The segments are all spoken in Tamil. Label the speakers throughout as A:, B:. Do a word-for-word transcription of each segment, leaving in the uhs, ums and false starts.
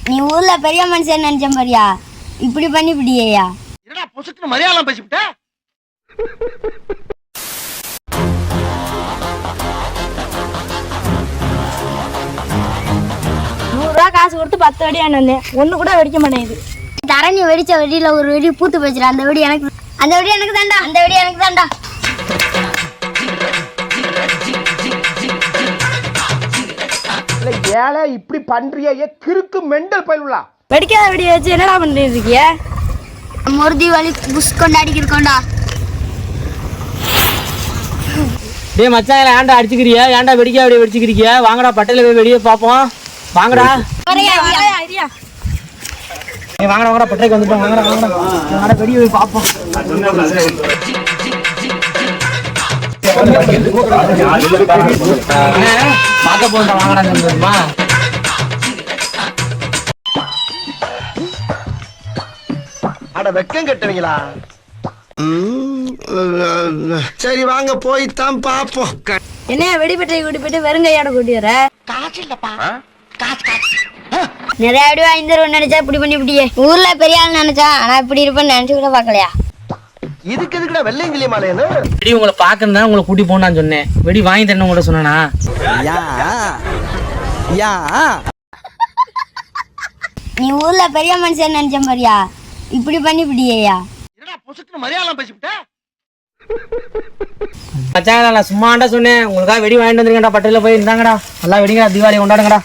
A: நீ ஊர்ல பெரிய மனுஷன் நினைச்ச மாதிரியா இப்படி பண்ணி இப்படியா?
B: என்னடா பொசுக்கு மரியாதை பேசிவிட்ட?
C: நூறு ரூபா காசு கொடுத்து பத்து வெடி வந்தேன், ஒண்ணு கூட வெடிக்க மாட்டேங்குது.
A: தரணி வெடிச்ச வெடியில ஒரு வெடி பூத்து போச்சுடா. அந்த வெடி எனக்கு, அந்த வெடி எனக்கு தாண்டா, அந்த வெடி எனக்கு தாண்டா.
B: ஏழை இப்படி பண்றியே கிறுக்கு மெண்டல் பயிலுலா.
C: வெடிக்காத வெடியை வச்சு என்னடா பண்ணிட்டு இருக்கிய?
A: ஒரு தீபாவளி புஷ் கொண்டாடிக்கு இருக்கோண்டா.
D: டேய் மச்சான், ஏன்டா அடிச்சுக்கிறியா? ஏன்டா வெடிக்கா வெடி வெடிச்சுக்கிறீங்க? வாங்கடா பட்டையில போய் வெடியே பார்ப்போம். வாங்கடா நீ வாங்கடா வாங்கடா பட்டைக்கு வந்துட்டோம். வாங்கடா வாங்கடா வாங்கடா வெடியை போய் பார்ப்போம். பார்க்க போண்டா வாங்கடா சொல்லுமா.
B: அட வெக்கம் கட்டுவீங்களா? சரி வாங்க போய்தான் பாப்போம்.
C: என்ன வெடிப்பட்டை கூட்டி போயிட்டு வெறுங்கையோட கூட்டி வர?
B: காசு இல்லப்பா.
A: நிறைய வெடி வாங்கி தருவோம் நினைச்சா இப்படி பண்ணி இப்படியே. ஊர்ல பெரிய ஆள் நினைச்சா, ஆனா இப்படி இருப்பேன்னு நினைச்சு கூட பாக்கலையா?
B: இதுக்கு எதுக்குடா வெள்ளையங்கிலி மாலையன்னு?
D: வெடி உங்களை பாக்கணும் உங்களை கூட்டி போனான்னு சொன்னேன். வெடி வாங்கி தரணும் கூட சொன்னா.
A: நீ ஊர்ல பெரிய மனுஷன் நினைச்ச மாதிரியா இப்படி பண்ணி இப்படியா?
B: என்னடா பொசுக்கு மரியாதை பேசிவிட்ட?
D: மச்சான் நான் சும்மாண்டா சொன்னேன். உங்களுக்காக வெடி வாங்கிட்டு வந்துருக்கேன்டா. பட்டையில போய் இருந்தாங்கடா. நல்லா வெடிங்கடா, தீபாவளி கொண்டாடுங்கடா.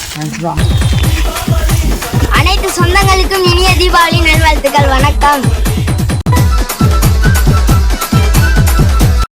A: அனைத்து சொந்தங்களுக்கும் இனிய தீபாவளி நல்வாழ்த்துக்கள். வணக்கம்.